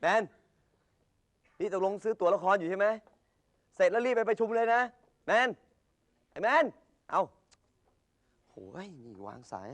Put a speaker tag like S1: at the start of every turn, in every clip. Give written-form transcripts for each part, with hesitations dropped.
S1: แมนนี่ตกลงซื้อตั๋วละครอยู่ใช่ไหมเสร็จแล้วรีบไปประชุมเลยนะแมนไอ้แมนเอาโอ้ยนี่วางสาย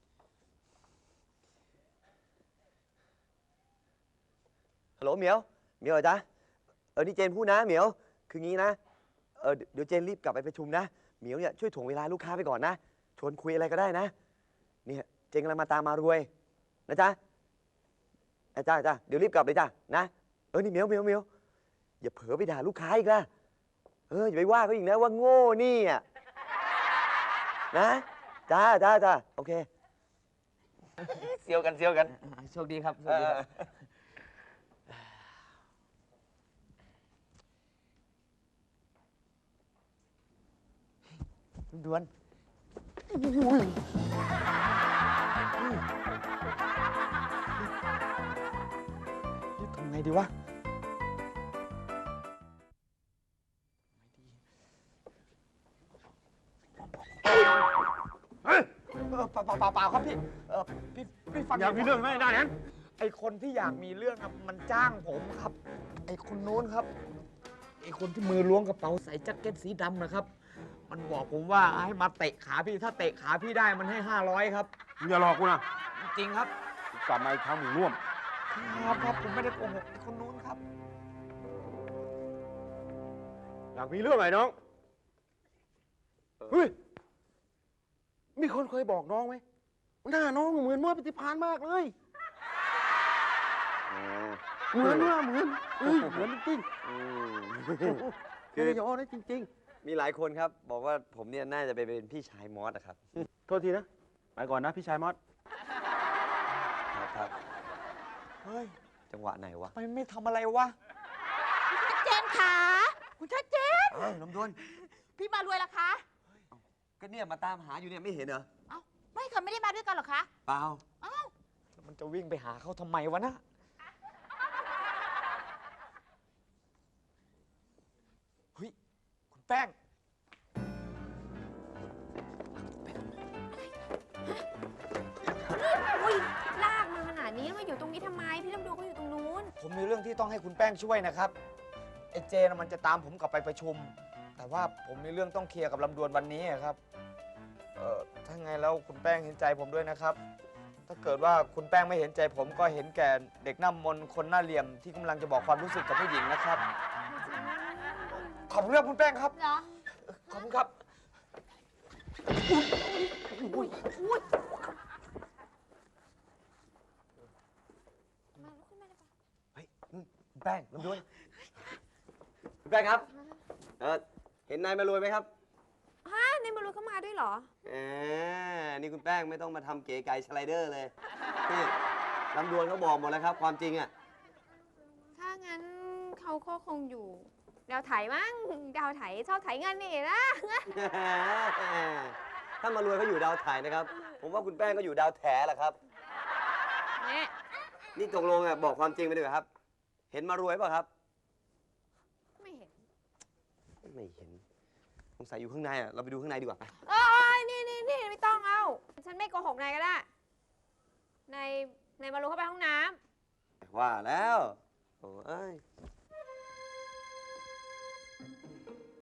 S1: ฮัลโหลเหมียวเหรอจ๊ะนี่เจนพูดนะเหมียวคืองี้นะเดี๋ยวเจนรีบกลับไปประชุมนะเหมียวเนี่ยช่วยถ่วงเวลาลูกค้าไปก่อนนะชวนคุยอะไรก็ได้นะเนี่ยเจนกำลังมาตามมารวยนะจ๊ะจ้าเดี๋ยวรีบกลับเลยจ้ะนะนี่เหมียวอย่าเผลอไปด่าลูกค้าอีกนะอย่าไปว่าเขาอีกนะว่าโง่นี่อ่ะนะจ้าโอเคเซียวกัน
S2: โชคดีครับโชคดีครับด่วนทำไงดีวะเปล่าครับพี่พี่ฟัง
S3: อยากมีเรื่องไหมได้นั้น
S2: ไอคนที่อยากมีเรื่องครับมันจ้างผมครับไอคนนู้นครับไอคนที่มือล้วงกระเป๋าใส่แจ็คเก็ตสีดำนะครับมันบอกผมว่าให้มาเตะขาพี่ถ้าเตะขาพี่ได้มันให้500ครับ
S3: มึงอย่าหลอกกูนะ
S2: จริงครับ
S3: กลับมาอีกครั้งมึงร่วม
S2: ครับผมไม่ได้โกหกไอคนนู้นครับ
S3: อยากมีเรื่องไหนน้องเฮ้ยมีคนเคยบอกน้องไหมหน้าน้องเหมือนมอปฏิภาณมากเลยเหมือนเหมือนจริงคือไม่ยอนะจริง
S1: มีหลายคนครับบอกว่าผมเนี่ยน่าจะไปเป็นพี่ชายมอสนะครับ
S3: โทษทีนะไปก่อนนะพี่ชายมอส
S1: ครับ
S2: เฮ้ย
S1: จังหวะไหนวะ
S2: ไม่ทำอะไรวะ
S4: ชัดเจนค่ะคุณชัดเจน
S1: น้ำดวน
S4: พี่มารวยล่ะคะ
S1: ก็เนี่ยมาตามหาอยู่เนี่ยไม่เห็นเหรอ
S4: เอ้าไม่ค่ะไม่ได้มาด้วยกันหรอคะ
S1: เปล่า
S4: เอ้า
S2: มันจะวิ่งไปหาเขาทำไมวะนะเฮ้ยคุณแป้ง
S4: อุ้ยลากมาขนาดนี้มาอยู่ตรงนี้ทำไมพี่ลำดวนก็อยู่ตรงนู้น
S2: ผมมีเรื่องที่ต้องให้คุณแป้งช่วยนะครับไอ้เจนมันจะตามผมกลับไปประชุมแต่ว่าผมมีเรื่องต้องเคลียร์กับลำดวนวันนี้ครับถ้าไงแล้วคุณแป้งเห็นใจผมด้วยนะครับถ้าเกิดว่าคุณแป้งไม่เห็นใจผมก็เห็นแก่เด็กหน้ามนต์คนหน้าเหลี่ยมที่กำลังจะบอกความรู้สึกกับผู้หญิงนะครับขอบคุณครับคุณแป้งครับ
S4: เหรอ
S2: ขอบคุณครับ
S4: อุ้ยมาลุกขึ้นมาเลย
S1: เฮ้ยคุณแป้งลำดวนคุณแป้งครับเห็นนายมารวยไหมครับ
S4: ในมารวยเข้ามาด้วยเหรอ
S1: นี่คุณแป้งไม่ต้องมาทำเก๋ไก่สไลเดอร์เลยนี่ลำดวนเขาบอกหมดแล้วครับความจริงอ่ะ
S4: ถ้างั้นเขาก็คงอยู่ดาวไถมั้งดาวไถชอบไถเงินนี่นะ
S1: ถ้ามารวยเขาอยู่ดาวไถนะครับผมว่าคุณแป้งก็อยู่ดาวแถแหละครับนี่ตกลงบอกความจริงไปดีกว่าครับเห็นมารวยเปล่ะครับ
S4: ไม่เห็น
S1: สงสัยอยู่ข้างในเราไปดูข้างในดีกว่าไป
S4: นี่ไม่ต้องเอาฉันไม่โกหกนายก็ได้นายมารู้เข้าไปห้องน้
S1: ำว่าแล้วโอ้ย